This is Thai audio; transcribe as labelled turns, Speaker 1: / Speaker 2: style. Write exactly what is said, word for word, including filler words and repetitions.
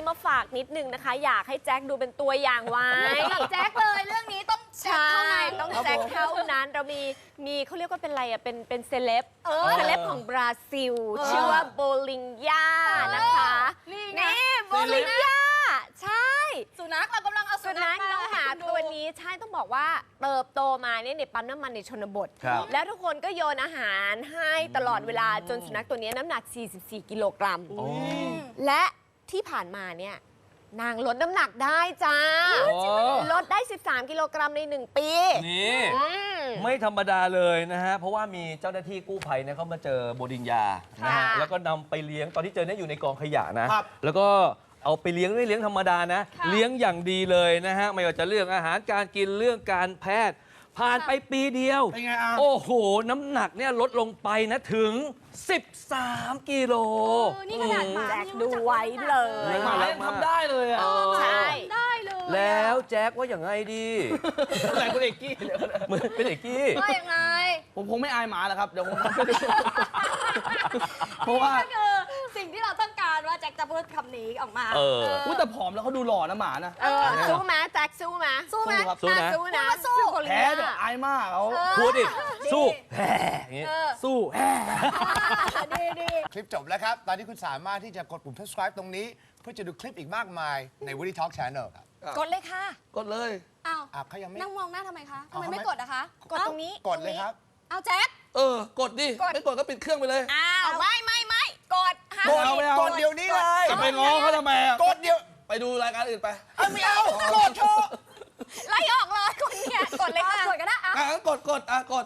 Speaker 1: มาฝากนิดนึงนะคะ อยากให้แจ็คดูเป็นตัวอย่างไว้
Speaker 2: แจ็คเลยเรื่องนี้ต้องแจ็ค
Speaker 1: ใช่
Speaker 2: เท่านั้น
Speaker 1: ต้องแจ็คเท่านั้นเรามีมีเขาเรียกว่าเป็นอะไรอ่ะเป็นเป็นเซเลบ
Speaker 2: เออ
Speaker 1: เซเลบของบราซิล ชื่อว่าโบลิงยานะคะ
Speaker 2: นี่ไง
Speaker 1: นี่โบลิงยาใช่
Speaker 2: สุนัขเรากำลังเอา
Speaker 1: สุ
Speaker 2: สุ
Speaker 1: นั
Speaker 2: นั
Speaker 1: ข
Speaker 2: ข
Speaker 1: น้องหมา
Speaker 2: ให้คุณดู
Speaker 1: ตัวนี้ใช่ต้องบอกว่าเติบโตมาเนี่ยในปั๊มน้ำมันในชนบท
Speaker 3: ครับ
Speaker 1: แล้วทุกคนก็โยนอาหารให้ตลอดเวลาจนสุนัขตัวนี้น้ำหนัก สี่สิบสี่ กิโลกรัม
Speaker 3: โอ้
Speaker 1: และที่ผ่านมาเนี่ยนางลดน้ำหนักได้จ้า ลดได้ สิบสาม กิโลกรัมใน หนึ่ง ปี
Speaker 3: นี่
Speaker 1: อืม
Speaker 3: ไม่ธรรมดาเลยนะฮะ เพราะว่ามีเจ้าหน้าที่กู้ภัยเนี่ยเขามาเจอโบดิงยานะฮะ
Speaker 1: ค่ะ
Speaker 3: แล้วก็นำไปเลี้ยงตอนที่เจอเนี่ยอยู่ในกองขยะนะ แล้วก็เอาไปเลี้ยงไม่เลี้ยงธรรมดานะ เลี้ยงอย่างดีเลยนะฮะ ไม่ว่าจะเรื่องอาหารการกินเรื่องการแพทย์ ผ่านไปปีเดียว
Speaker 4: เป็นไงอ่ะ
Speaker 3: โอ้โห น้ำหนักเนี่ยลดลงไปนะถึง สิบสาม กิโล
Speaker 2: เออนี่ขนาดหมา
Speaker 1: แจ็คดูไว้เลย
Speaker 3: น่า
Speaker 4: หมา
Speaker 3: รัก
Speaker 4: ยัง
Speaker 3: มาก
Speaker 4: ทำได้เลยอ่ะ
Speaker 1: ใช่
Speaker 2: ได้เลย
Speaker 3: แล้วแจ็คว่าอย่างไงดี
Speaker 4: อะไรคุณเอกกี้เดี๋ยวนะ
Speaker 3: เหมือนเป็นเอกกี้
Speaker 2: ว่ายังไง
Speaker 4: ผมคงไม่อายหมาแล้วครับ เดี๋ยวผมทำให้ดูเพราะว่า
Speaker 2: ก็คือสิ่งที่เราต้องการว่าแจ็คจะพูดคำนี้ออกมา
Speaker 3: เออ
Speaker 4: อุ๊ยแต่ผอมแล้วเขาดูหล่อนะหมานะ
Speaker 1: เออสู้ไหมแจ็คสู้ไหม
Speaker 2: สู้ไหม
Speaker 4: ครับ
Speaker 3: สู้นะ
Speaker 1: สู้นะ
Speaker 2: พูดว่าสู้
Speaker 1: โบลิง
Speaker 4: แพ้
Speaker 1: ยา
Speaker 4: เดี๋ยวอายมากเขา
Speaker 3: พูดดิ
Speaker 2: นี่
Speaker 3: สู้แห่อย่างงี้
Speaker 2: เออ
Speaker 3: สู้แห่
Speaker 2: ดีดี
Speaker 5: คลิปจบแล้วครับ ตอนนี้คุณสามารถที่จะกดปุ่ม subscribe ตรงนี้ เพื่อจะดูคลิปอีกมากมายใน Woody Talk Channel ครับ
Speaker 2: กดเลยค่ะ
Speaker 4: กดเลย
Speaker 2: อ้าว
Speaker 5: อ่ะเขายังไม่
Speaker 2: นั่งมองหน้าทำไมคะทำไม
Speaker 5: เอาทำไม
Speaker 2: ไม่กดอะคะ
Speaker 1: กดตรงนี้
Speaker 5: กดเลยครับ
Speaker 2: เอาแจ็ค
Speaker 4: เออ กดดิ ไม่กดก็ปิดเครื่องไปเลย
Speaker 1: อ้าวไม่ไม่ไม่กดห้าม
Speaker 4: กดเอาไม่เอา
Speaker 5: กดเดี๋ยวนี้เลย
Speaker 4: จะไปง้อเขาทำไมอ่ะ
Speaker 5: กดเดี๋ยว
Speaker 4: ไปดูรายการอื่นไป
Speaker 5: เอาไม่เอากดเถอะ
Speaker 1: ไล่ออกเลยคนเนี่ยกดเลยค่ะ
Speaker 2: กดก็ได้อะ
Speaker 4: อ่ะงั้นกดกดอ่ะกด